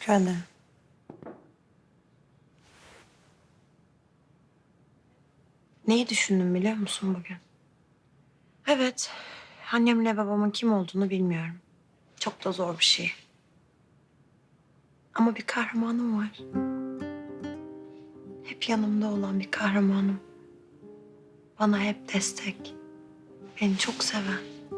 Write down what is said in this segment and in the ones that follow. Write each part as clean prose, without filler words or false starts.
Teşekkür ederim. Neyi düşündüm biliyor musun bugün? Evet, annemle babamın kim olduğunu bilmiyorum. Çok da zor bir şey. Ama bir kahramanım var. Hep yanımda olan bir kahramanım. Bana hep destek. Beni çok seven.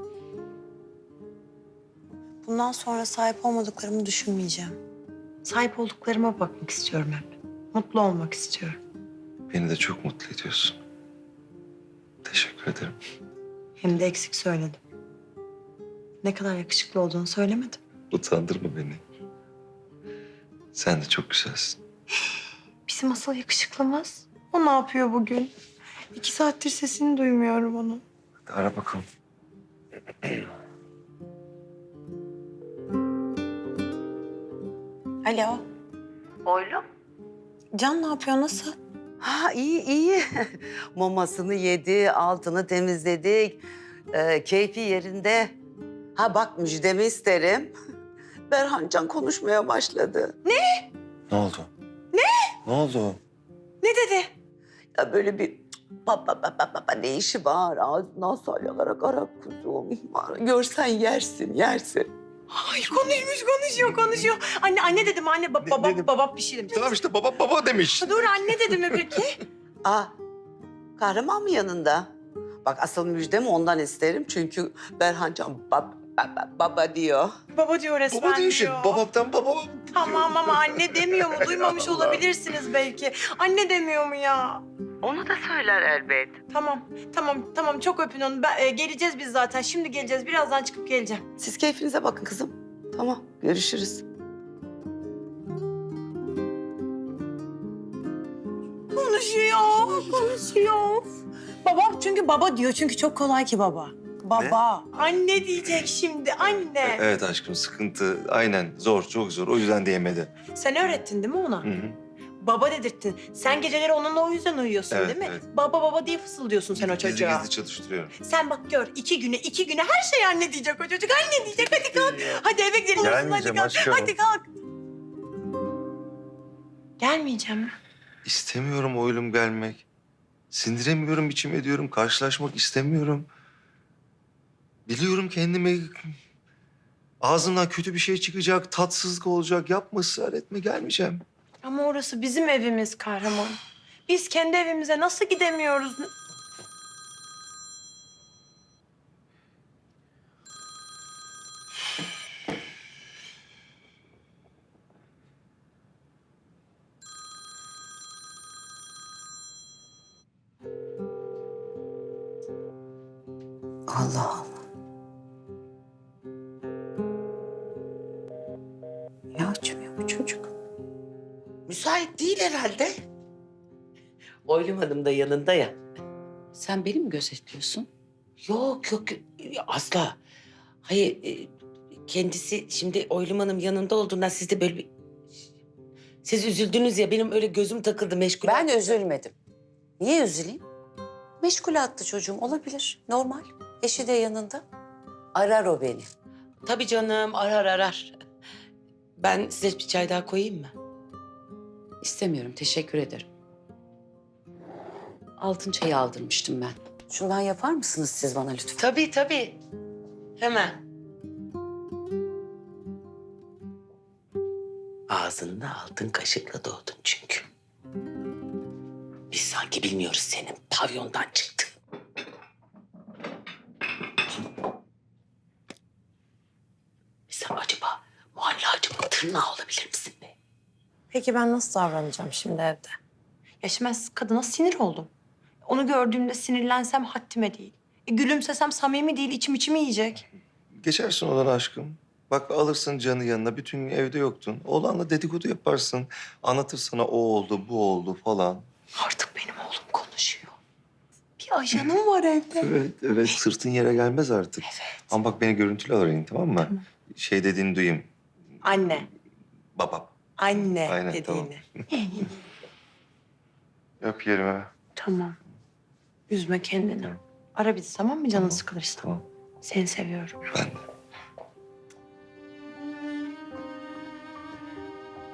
Bundan sonra sahip olmadıklarımı düşünmeyeceğim. Sahip olduklarıma bakmak istiyorum hep. Mutlu olmak istiyorum. Beni de çok mutlu ediyorsun. Teşekkür ederim. Hem de eksik söyledim. Ne kadar yakışıklı olduğunu söylemedim. Utandırma beni. Sen de çok güzelsin. Bizim asıl yakışıklımız. O ne yapıyor bugün? 2 saattir sesini duymuyorum onun. Hadi ara bakalım. Alo. Oğlum. Can ne yapıyor? Nasıl? Ha iyi iyi. Mamasını yedi, altını temizledik. Keyfi yerinde. Ha bak müjdemi isterim. Berhancan konuşmaya başladı. Ne oldu? Ne oldu? Ne dedi? Ya böyle bir baba ne işi var? Ağzından salyalarak ara kuzum. Görsen yersin, yersin. Ay konuşuyor. Anne dedim anne baba dedim? baba bir şey demiş. Tamam işte baba demiş. Dur anne dedi mi peki? Aa, kahraman mı yanında? Bak asıl müjdemi ondan isterim. Çünkü Berhancan baba diyor. Baba diyor resmen Baba diyor işte. Babamdan baba. Tamam ama anne demiyor mu? Duymamış Allah. olabilirsiniz belki. Anne demiyor mu ya? Onu da söyler elbet. Tamam. Çok öpün onu. Geleceğiz biz zaten. Şimdi geleceğiz. Birazdan çıkıp geleceğim. Siz keyfinize bakın kızım. Tamam, görüşürüz. Konuşuyor. Baba çünkü baba diyor. Çünkü çok kolay ki baba. Baba. Anne diyecek şimdi. Anne. Evet aşkım sıkıntı. Aynen zor çok zor. O yüzden diyemedi. Sen öğrettin değil mi ona? Hı hı. Baba dedirttin. Sen geceleri onunla o yüzden uyuyorsun Evet, değil mi? evet. Baba diye fısıldıyorsun sen o çocuğa. Gizli çalıştırıyorum. Sen bak gör 2 güne her şey anne diyecek o çocuk. Anne diyecek hadi kalk. Hadi eve gidelim. Gelmeyeceğim hadi kalk. aşkım. Hadi kalk. Gelmeyeceğim mi? İstemiyorum oğlum gelmek. Sindiremiyorum, içim ediyorum. Karşılaşmak istemiyorum. Biliyorum kendimi... Ağzımdan kötü bir şey çıkacak, tatsızlık olacak. Yapma, ısrar etme, gelmeyeceğim. Ama orası bizim evimiz kahraman. Biz kendi evimize nasıl gidemiyoruz? Allah Allah. Ya açmıyor bu çocuk. Müsait değil herhalde. Oylum Hanım da yanında ya. Sen beni mi gözetliyorsun? Yok asla. Hayır kendisi şimdi Oylum Hanım yanında olduğundan siz de böyle bir... Siz üzüldünüz ya benim öyle gözüm takıldı meşgul. Ben üzülmedim. Niye üzüleyim? Meşgule attı çocuğum, olabilir. Normal. Eşi de yanında. Arar o beni. Tabii canım arar. Ben size bir çay daha koyayım mı? İstemiyorum, teşekkür ederim. Altın çayı aldırmıştım ben. Şundan yapar mısınız siz bana lütfen? Tabii. Hemen. Ağzında altın kaşıkla doğdun çünkü. Biz sanki bilmiyoruz senin pavyondan çıktın. Sen acaba muhallacımın tırnağı olabilir misin be? Peki ben nasıl davranacağım şimdi evde? Ya şimdi ben kadına sinir oldum. Onu gördüğümde sinirlensem haddime değil. Gülümsesem samimi değil, içimi yiyecek. Geçersin odana aşkım. Bak alırsın canı yanına. Bütün gün evde yoktun. Oğlanla dedikodu yaparsın. Anlatır sana o oldu, bu oldu falan. Artık benim oğlum konuşuyor. Bir ajanım var evde. Evet. Sırtın yere gelmez artık. Evet. Ama bak beni görüntülü arayın tamam mı? Tamam. Şey dediğini duyayım. Anne. Babam. Anne Aynen, dediğini. Öp yerime. Tamam. Üzme kendini. Ara bizi tamam mı canın sıkılırsa? Tamam. Seni seviyorum. Ben de.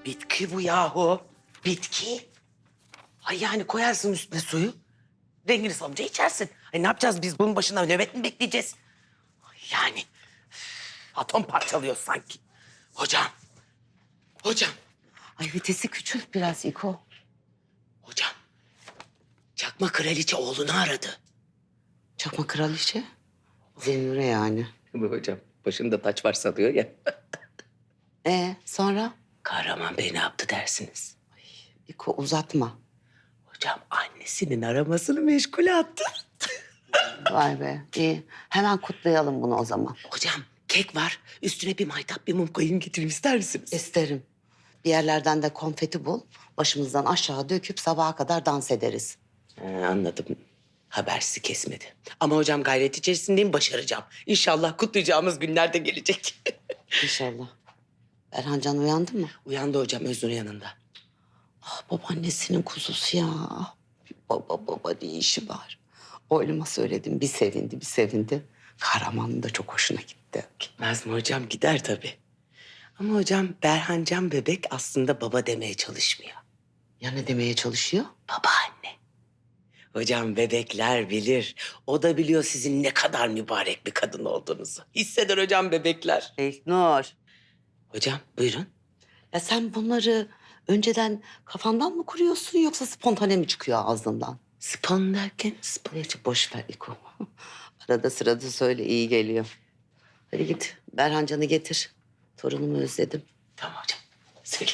Bitki bu yahu. Bitki. Ay yani koyarsın üstüne suyu. Rengini salınca içersin. Ay ne yapacağız biz bunun başına nöbet mi bekleyeceğiz? Ay yani atom parçalıyor sanki. Hocam. Hocam. Ay vitesi küçült biraz İko. Hocam. Çakma kraliçe oğlunu aradı. Çakma kraliçe. Zennure yani. Bu hocam başında taç var sanıyor ya. Sonra? Kahraman Bey ne yaptı dersiniz? İko uzatma. Hocam annesinin aramasını meşgule attı. Vay be iyi. Hemen kutlayalım bunu o zaman. Hocam kek var. Üstüne bir maytap bir mum koyayım getireyim ister misiniz? İsterim. Bir yerlerden de konfeti bul. Başımızdan aşağı döküp sabaha kadar dans ederiz. Anladım. Haber sizi kesmedi. Ama hocam gayret içerisindeyim, başaracağım. İnşallah kutlayacağımız günler de gelecek. İnşallah. Berhancan uyandı mı? Uyandı hocam Öznur yanında. Ah babaannesinin kuzusu ya. Baba ne işi var? Oğluma söyledim bir sevindi bir sevindi. Kahramanın da çok hoşuna gitti. Gitmez mi hocam? Gider tabii. Ama hocam Berhancan bebek aslında baba demeye çalışmıyor. Ya ne demeye çalışıyor? Babaanne. Hocam bebekler bilir. O da biliyor sizin ne kadar mübarek bir kadın olduğunuzu. Hisseder hocam bebekler. İlknur. Hocam buyurun. Ya sen bunları önceden kafandan mı kuruyorsun yoksa spontane mi çıkıyor ağzından? Spon derken spon. Neyse boş ver İko. Arada sırada söyle iyi geliyor. Hadi git Berhancan'ı getir. Torunumu özledim. Tamam hocam. Söyle.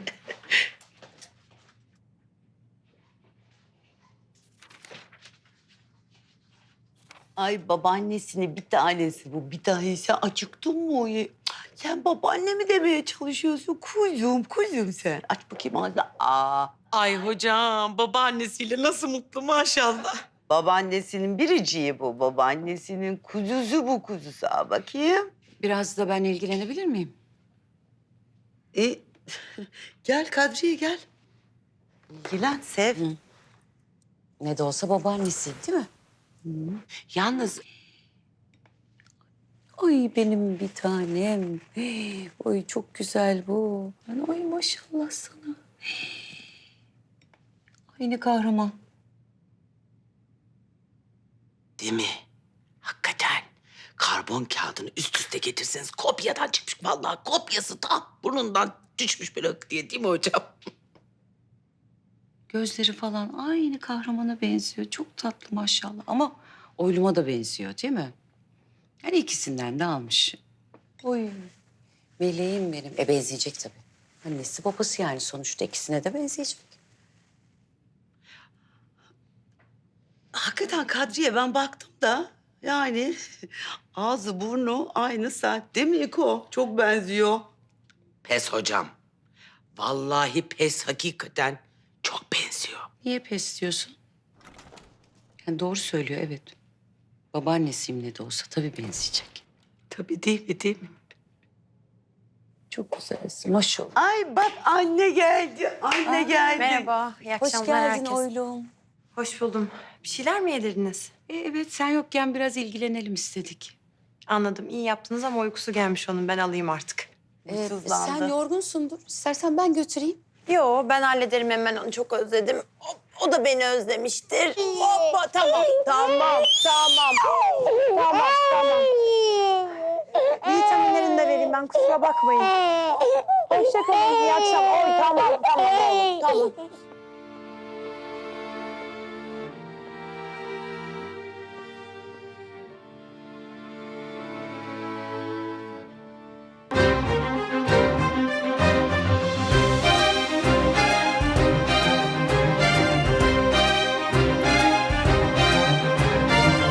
Ay babaannesini bir tanesi bu. Bir tanesi acıktın mı? Sen babaanne mi demeye çalışıyorsun? Kuzum sen. Aç bakayım ağzını. Ay hocam babaannesiyle nasıl mutlu maşallah. Babaannesinin biriciği bu. Babaannesinin kuzusu bu kuzusu. Al bakayım. Biraz da ben ilgilenebilir miyim? E, gel Kadriye gel. İlgilen, sev. Ne de olsa babaannesi değil mi? Yalnız Ay benim bir tanem. Oy çok güzel bu. Ay maşallah sana. Ay ne kahraman. değil mi? Hakikaten karbon kağıdını üst üste getirseniz kopyadan çıkmış. Vallahi kopyası tam burnundan düşmüş böyle hık diye değil mi hocam? Gözleri falan aynı kahramana benziyor. Çok tatlı maşallah. Ama oyluma da benziyor değil mi? Yani ikisinden de almış. Oy. Meleğim benim. Benzeyecek tabii. Annesi babası yani sonuçta ikisine de benzeyecek. Hakikaten Kadriye ben baktım da yani ağzı burnu aynı sen. Değil mi İko? Çok benziyor. Pes hocam. Vallahi pes hakikaten çok benziyor. Niye pes diyorsun? Yani doğru söylüyor evet. Babaannesiyim ne de olsa tabii benzeyecek. Tabii değil mi değil mi? Çok güzelsin maşallah. Ay bak anne geldi. Anne geldi. Merhaba, iyi Hoş akşamlar geldin herkes. oylum. Hoş buldum. Bir şeyler mi yedirdiniz? Evet sen yokken biraz ilgilenelim istedik. Anladım, iyi yaptınız ama uykusu gelmiş onun. Ben alayım artık. Sızlandı. Sen yorgunsundur. İstersen ben götüreyim. Yo, ben hallederim hemen. Onu çok özledim. O da beni özlemiştir. Hoppa, tamam. Vitaminlerini de vereyim ben, kusura bakmayın. Hoşça kalın, iyi akşamlar. Oy, tamam oğlum, tamam.